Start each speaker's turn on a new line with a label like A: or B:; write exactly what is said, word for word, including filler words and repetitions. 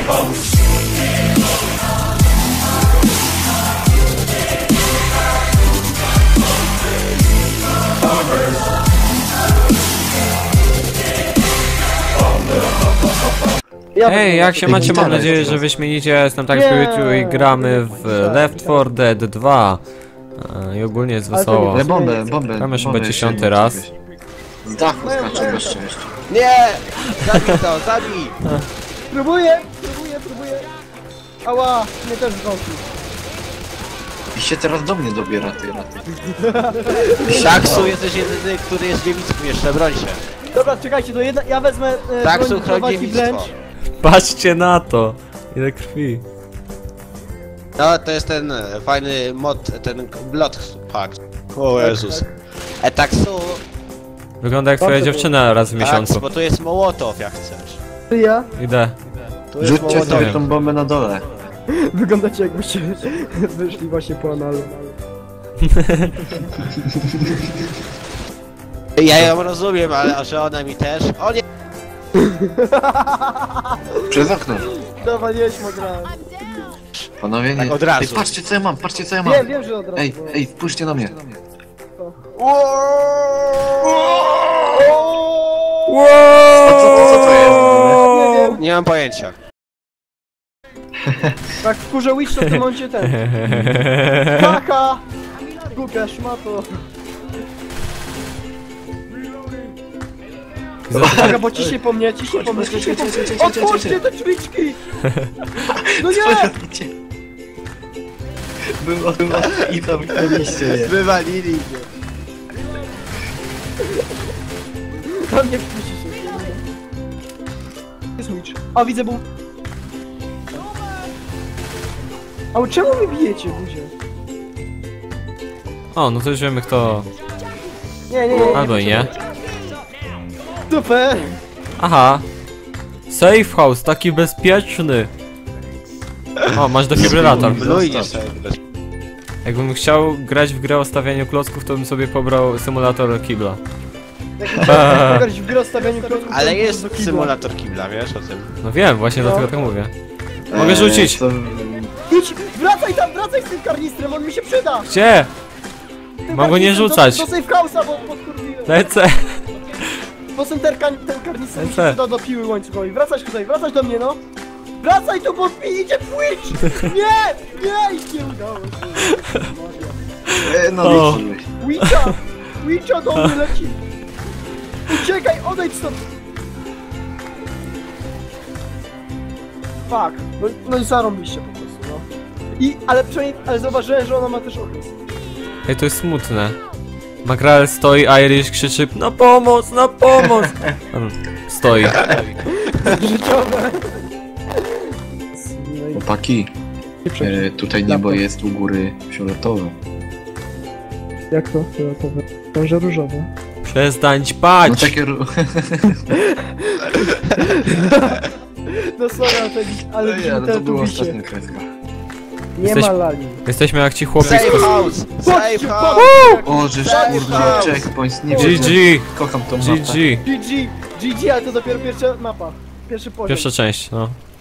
A: Hej, jak się macie? Mam nadzieję, że wyśmienicie. Jestem tak Spiritu i gramy w Left four Dead dwa. I ogólnie jest wesoło.
B: Ale bombę, bombę.
A: Tam już chyba dziesiąty raz.
B: Z dachu skacze bez szczęścia.
C: Nie! Zabij to, zabij!
D: Próbuję, próbuję, próbuję. Ała, mnie też zgąsił.
B: I się teraz do mnie dobiera, ty raty.
C: Szaksu, jesteś jedyny, który jest dziewickim jeszcze, broń się.
D: Dobra, czekajcie, to jedna, ja wezmę e,
C: Szaksu,
D: broń do
C: chroni
D: walki
C: dziewictwo.
D: wręcz.
A: Patrzcie na to! Ile krwi.
C: No, to jest ten e, fajny mod, ten Blood Pact. O Jezus. E taksu,
A: Wygląda jak twoja dziewczyna raz w miesiącu.
C: bo tu jest Mołotow, jak chcesz.
D: Ty ja?
A: Idę.
C: Tu jest
B: Rzućcie
C: Mołotow.
B: sobie tą bombę na dole.
D: Wyglądacie jakbyście wyszli właśnie po analu.
C: Ja ją rozumiem, ale że ona mi też. O nie!
B: Przez okno.
D: Dawaliśmy grałem.
B: Panowie, nie.
C: Tak od razu.
B: Ej, patrzcie co ja mam, patrzcie co ja mam.
D: Wiem, wiem, że od razu.
B: Ej, ej, spójrzcie na mnie. Co, co, co to jest?
D: Nie wiem,
C: Nie mam pojęcia.
D: tak wkurzę Witch, to w tym momencie ten. Kaka! Głupia szmato. Uwaga, bo ciśnie po mnie, ciśnie po mnie, ciśnie po mnie. Otwórzcie te drzwiczki! No nie!
B: Było, było i zamknęliście je.
C: Wywalili mnie.
D: Tam nie wpuści się. Jest Witch. A, widzę, był... A czemu wy bijecie, buzie?
A: O, no to już wiemy kto.
D: Nie, nie, nie.
A: Albo i nie.
D: Super!
A: Aha. Safe house, taki bezpieczny. O, masz defibrylator.
C: Blujnie sobie.
A: Jakbym chciał grać w grę o stawianiu klocków, to bym sobie pobrał symulator kibla.
D: Jak grać w grę o stawianiu kroków, to
C: Ale
D: do
C: jest
D: kibla.
C: symulator kibla, wiesz o tym?
A: No wiem, właśnie
D: No.
A: dlatego tak mówię. Mogę rzucić.
B: To...
D: Idź! Wracaj tam, wracaj z tym karnistrem, on mi się przyda!
A: Gdzie?
D: Tym
A: Mam go nie
D: karnistrem
A: rzucać.
D: Do, do safe house'a, bo podkurwiłem.
A: Lecę.
D: Bo ten, ten, ten karnister mi się
A: Lecę.
D: przyda do piły łańcuchowej. Wracać tutaj, wracać do mnie, no! Wracaj tu, bo mi idzie Twitch! Nie! Nie! I nie udało się.
B: E, no,
A: O.
B: wyszedłeś.
D: Witcha! Witcha do mnie leci! Uciekaj, odejdź stąd! Fuck. No, no i zarąbiście po prostu, no. I, ale przynajmniej, ale zauważyłem, że ona ma też okres.
A: Ej, to jest smutne. Makrel stoi, Irish krzyczy na pomoc, na pomoc! On stoi.
D: Życiowe. No i
B: Chłopaki, e, tutaj niebo jest u góry fioletowe.
D: jak to? Fioletowe. Może różowe.
A: Przestań
B: No
A: ćpać!
B: takie... ru-
D: No sorry, ale, to- ale
B: No nie,
D: widzimy
B: ale
D: te
B: to była
D: tubisie.
B: ostatnia kreska.
D: Nie
A: Jesteś-
D: ma lali.
A: Jesteśmy jak ci chłopi
C: Safe
A: z...
C: house!
D: Chodźcie,
C: Safe house!
B: O, żeż
C: Safe
B: kurde,
C: house.
B: checkpoint, nie
A: G
B: wiem.
A: G!
B: Kocham tą
A: G
B: mapę.
A: G!
D: G G, G G, ale to dopiero pierwsza mapa. Pierwszy poziom.
A: Pierwsza część, no.